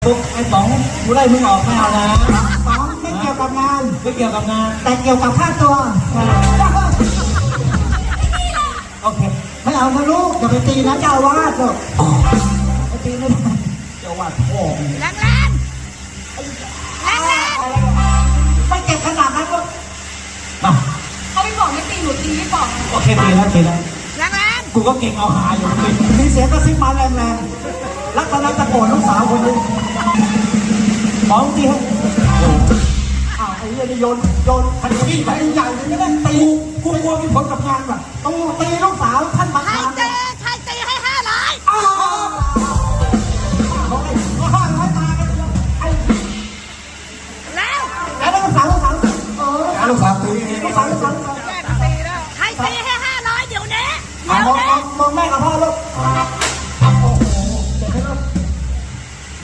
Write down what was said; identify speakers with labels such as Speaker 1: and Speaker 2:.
Speaker 1: ปุ๊บไอ้ป๋องกูไล่มึงออกไม่เอานะ
Speaker 2: ป๋องไม่เกี่ยวกับงาน
Speaker 1: ไม่เกี่ยวกับงาน
Speaker 2: แต่เกี่ยวกับค่าตัว
Speaker 1: โอเค
Speaker 2: ไม่เอานะลูกอย่าไปตีนะเจ้าอาวาสลูกไปตีไม่ได้
Speaker 1: เจ้าว่าพ่อมึง
Speaker 3: แรงแรงแรงแรง
Speaker 2: ไม่เจ็บขนาดนั้นลูก
Speaker 1: มา
Speaker 3: เขาไม่บอกไม่ตีหนูตีไม่บอก
Speaker 1: โอเคตีแล้ว
Speaker 3: แรงแรง
Speaker 1: กูก็เก่งเอาหาอยู่ตี
Speaker 2: มีเสียงกระซิบมาแรงๆรักษณะตะโกนลูกสาวคนนี้
Speaker 1: ป๋องตีให้
Speaker 2: อ้าวไอ้เรื่องนี้โยนคันนี้ไปใหญ่เลยไม่ได้ตี
Speaker 1: กูกลัวมีผลกับงานว่ะ
Speaker 2: ต้องตีลูก